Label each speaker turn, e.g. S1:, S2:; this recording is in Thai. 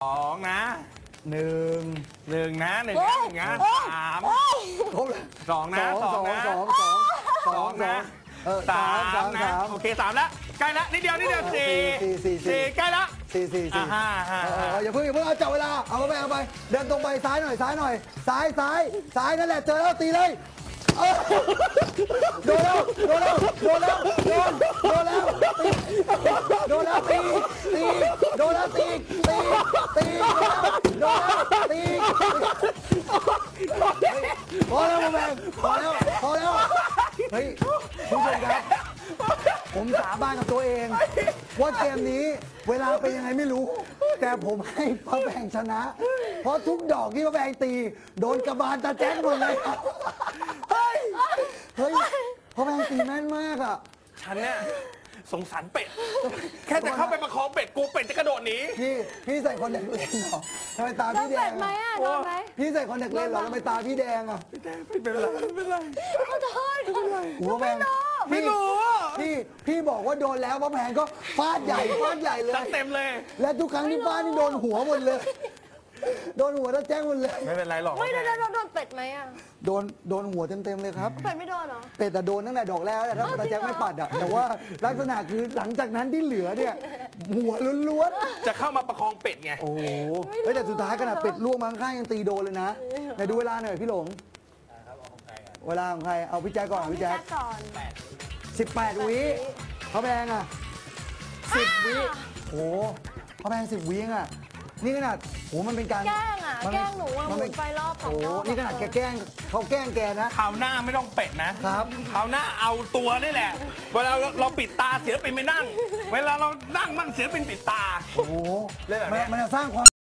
S1: องนะ
S2: หนึ่ง
S1: หนึ่งนะหนึ่งนะสาม
S2: ครบเลย
S1: สองนะสองนะ
S2: สองนะ
S1: สามนะโอเคสามแล้วใกล้แล้วนิดเดียวสี่ใกล้แล้ว
S2: สี่
S1: ห้า
S2: อย่าเพิ่งเอาจับเวลาเอาไปเดินตรงไปซ้ายหน่อยซ้ายนั่นแหละเจอแล้วตีเลยโดนแล้วตีโดนแล้วตีโดนแล้วตีพอแล้วแม่พอแล้วเฮ้ยคุณผู้ชมครับผมสาบานกับตัวเองว่าเกมนี้เวลาเป็นยังไงไม่รู้แต่ผมให้พระแบงชนะ เพราะทุกดอกที่พระแบงตีโดนกระบาลตาแจ๊กหมดเลยเฮ้ยพระแบงตีแม่นมากอ่ะ
S1: ฉันเนี่ยสงสารเป็ดแค่จะเข้าไปประคองเป็ดกูเป็ดจะกระโดดหนี
S2: พี่ใส่คนเด็กเล่นเหรอทำไมตาพี่แดง
S3: ไหมอ่ะโดนไหม
S2: พี่ใส่คนเด็กเล่นเหรอทำไมตาพี่แดงอ่ะ
S1: ไม่เป็นไรไม่เป็นไร
S3: ขอโทษ
S2: หัวแบง
S1: ไม่รู้
S2: พี่บอกว่าโดนแล้วพระแบงก็ฟาดใหญ่เลย
S1: จัดเต็มเลย
S2: และทุกครั้งที่ฟาดนี่โดนหัวหมดเลยโดนหัวตาแจ๊กหมดเลย
S1: ไม่เป็นไรหรอก
S3: ไม่โดนเป็ดไหมอ่ะ
S2: โดนหัวเต็มเลยครับ
S3: เป็ดไม่โดนเหรอ
S2: เป็ดแต่โดนตั้งแต่ดอกแรกแต่ถ้าตาแจ๊กไม่ปัดอ่ะแต่ว่าลักษณะคือหลังจากนั้นที่เหลือเนี่ยหัวล้วน
S1: จะเข้ามาประคองเป็ดไง
S2: ๆโอ้โหแต่สุดท้ายขนาดเป็ดล่วงมาข้างๆยังตีโดนเลยนะไหนดูเวลาหน่อยพี่หลงเวลาของใครเอาพี่แจ๊กก่อนพี่แจ๊ก
S3: ก่อน
S2: 18 วิเขาแพงอ่ะ10 วิโอ้เขาแพง10 วิอ่ะนี่ขนาดโหมันเป็นการ
S3: แกล้งอ่ะแกล้งหนูอ่ะหมุนไฟรอบสอง
S2: โอ้
S3: รอบ
S2: นี่ขนาดแกแกล้งเขาแกล้งแกนะ
S1: คราวหน้าไม่ต้องเป็ดนะครับ คราวหน้าเอาตัวนี่แหละ เวลาเราปิดตาเสือเป็นไม่นั่ง เวลาเรานั่งมั่งเสือเป็นปิดตา
S2: โอ้โห
S1: เรื่องแบบเนี้ย
S2: มันจะสร้างความ